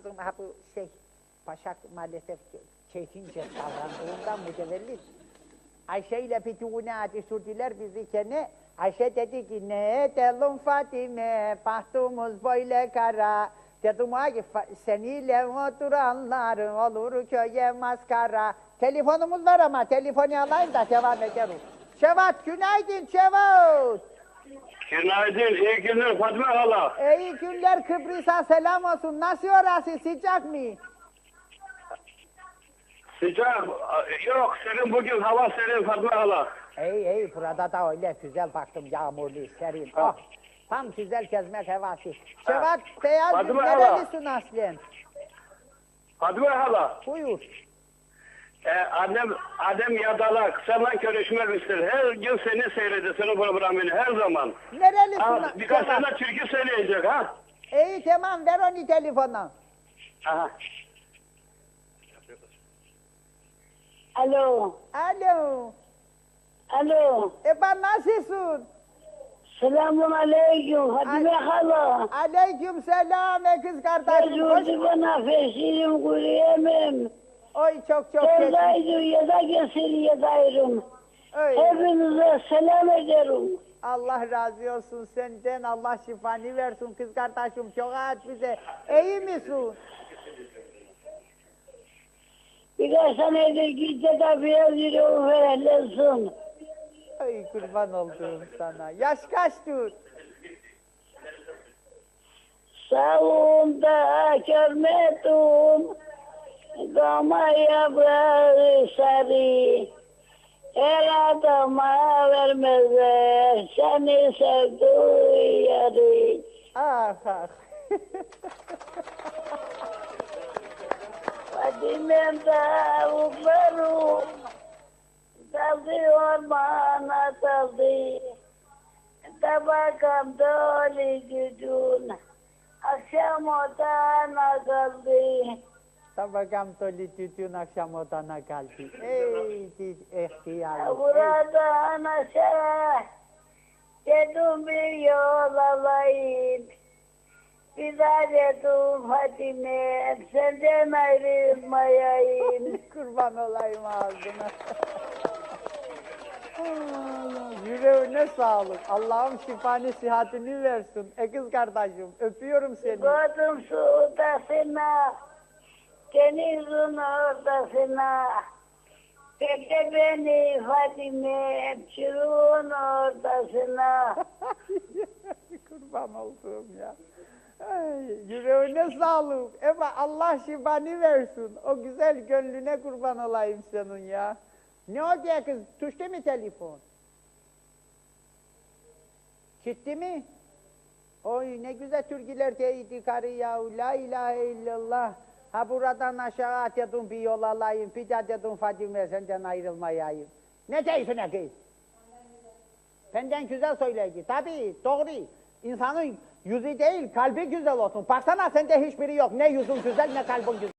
kızım ha bu Başak maalesef keyfince davrandığından mütevellit. Ayşe ile Fitune düşürdüler bizi kene. Ayşe dedi ki ne edelim Fatime, bahtımız böyle kara. Dedim ki seniyle oturanlar olur köye maskara. Telefonumuz var ama telefonu alayım da devam ederiz. Şevat günaydın Şevat. Günaydın, iyi günler Fatma hala. İyi günler Kıbrıs'a selam olsun. Nasıl orası sıcak mı? Sıcak, yok senin bugün hava serin Fatma hala. İyi burada da öyle güzel baktım yağmurlu serin. Oh, tam güzel gezmek havası. Şevat Beyaz Fatma nerelisin aslen? Fatma hala, Buyur. Adem Yadalak, seninle görüşmek ister. Her gün seni seyrediyor, senin programını her zaman. Nerelisin Birkaç Şevat? tane türkü söyleyecek ha. İyi tamam ver onu telefona. Aha. Alo, Alo. alo. Ben nasılsın? Selamun aleyküm Fatime hala. Aleyküm selam kız kardeşim. Hoş... Mecburdu bana feşirim kuruyemem. Oy çok geçmiş. Oradaydı ya da kesir ya dayrım. Oy. Hepinize selam ederim. Allah razı olsun senden. Allah şifanı versin kız kardeşim. Çok aç bize. İyi misin? Birkaç senedir git de biraz yürüyorum ferahlasın. Ay kurban olduğum sana. Yaş kaçtır? Sağımda görmedim. Dama yaprağı sarı. Her adama vermezler. Seni sevdiği yarı. Ah ah. Fadime'm tavuklarım daldı ormana daldı. Tabakam dolu gücün akşam odana kaldı. Tabakam toli tütün akşam odana kaldı. Ey ihtiyar. Buradan aşağı dedim bir yol alayım. Bir daha dedim Fatime senden ayrılmayayım. Kurban olayım ağzına. Yüreğine sağlık. Allah'ım şifanı sıhhatini versin. Kız kardeşim öpüyorum seni. Gördüm su odasına, denizin ortasına. Bekle beni Fatime, çürüğün ortasına. Kurban olduğum ya. Ay, yüreğine sağlık. Ama Allah şifanı versin. O güzel gönlüne kurban olayım senin ya. Ne oldu ya kız? Tuştu mu telefon? Gitti mi? Oy ne güzel türküler deydi karı ya. La ilahe illallah. Ha buradan aşağı dedim bir yol alayım. Bir de dedim Fadime senden ayrılmayayım. Ne diyorsun kız? Benden güzel söyledi. Tabii doğru. İnsanın yüzü değil kalbi güzel olsun. Baksana sende hiçbiri yok. Ne yüzün güzel ne kalbin güzel.